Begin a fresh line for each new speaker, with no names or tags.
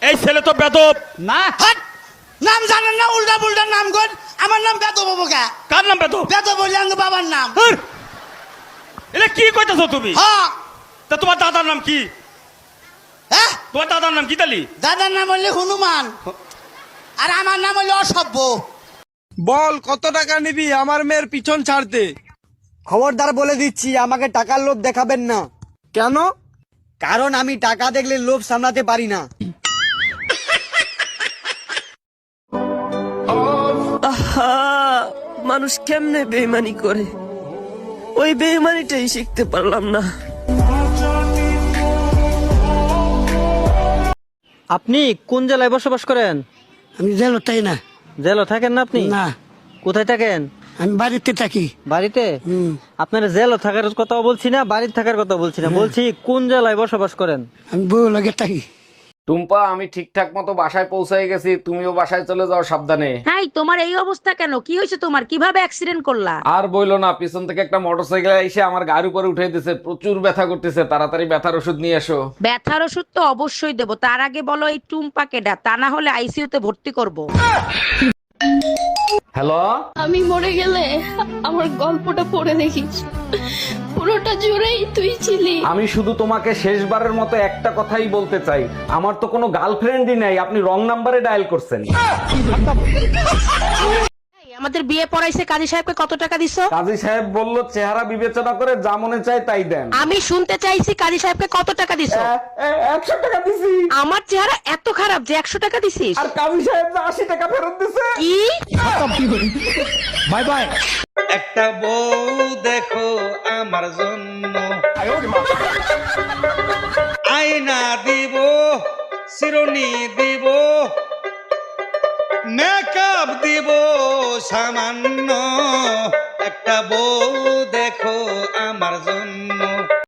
এই ছেলে তো বেদব।
না
হাট! নাম জানেন না, উল্টা পুল্টা নাম কর। আমার নাম বেদব হবো কে?
কার নাম বেদব?
বেদব বললে আমার বাবার নাম।
হুর! এটা কি কইতেছো তুমি?
হ্যাঁ।
তা তোমার দাদার নাম কি?
হ্যাঁ,
তোমার দাদার নাম কি তালি?
দাদার নাম হলে হনুমান, আর আমার নাম হলে অসভ্য।
বল কত টাকা নিবি আমার মেয়ের পিছন ছাড়তে?
খবরদার বলে দিচ্ছি, আমাকে টাকার লোভ দেখাবেন না।
কেন?
কারণ আমি টাকা দেখলে লোভ সামলাতে পারি না।
মানুষ কেমনে বেইমানি করে, ওই বেইমানিটাই শিখতে পারলাম না।
আপনি কোন জেলায় বসবাস করেন?
আমি জেল তাই না।
জেলে থাকেন না আপনি?
না,
কোথায় থাকেন?
আমি বাড়িতে থাকি।
বাড়িতে? আপনার জেলে থাকার কথা বলছি না, বাড়িতে থাকার কথা বলছি না, বলছি কোন জেলায় বসবাস করেন?
আমি বউ লাগে থাকি।
টুম্পা, আমি ঠিকঠাক মতো বাসায় পৌঁছাই গেছি, তুমিও বাসায় চলে যাও সাবধানে।
হাই, তোমার এই অবস্থা কেন? কি হয়েছে তোমার? কিভাবে অ্যাক্সিডেন্ট করলা?
আর বইলো না, পিছন থেকে একটা মোটরসাইকেল এসে আমার গাড়ির উপরে উঠে দিছে, প্রচুর ব্যথা করতেছে, তাড়াতাড়ি ব্যথার ওষুধ নিয়ে এসো।
ব্যথার ওষুধ তো অবশ্যই দেবো, তার আগে বলো এই টুম্পাকে ডা, তা না হলে আইসিইউতে ভর্তি করব।
হ্যালো,
আমি মরে গেলে আমার গল্পটা পড়ে দেখিস, পুরোটা জুড়েই তুই ছিলি।
আমি শুধু তোমাকে শেষবারের মতো একটা কথাই বলতে চাই, আমার তো কোনো গার্লফ্রেন্ডই নাই, আপনি রং নাম্বারে ডায়াল করছেন।
আমাদের বিয়ে পড়াইছে, কাজী সাহেবকে কত টাকা দিছো?
কাজী সাহেব বলল চেহারা বিবেচনা করে যা মনে চায় তাই দেন।
আমি শুনতে চাইছি কাজী সাহেবকে কত টাকা দিছো?
100 টাকা দিছি।
আমার চেহারা এত খারাপ যে 100 টাকা দিছিস?
আর কাজী সাহেব 80 টাকা ফেরত দিছে।
কি?
Bye bye.
একটা বউ দেখো আমার জন্য, আয়না দিব, শিরোনি দিব, মেকআপ দিব সামান্য। একটা বউ দেখো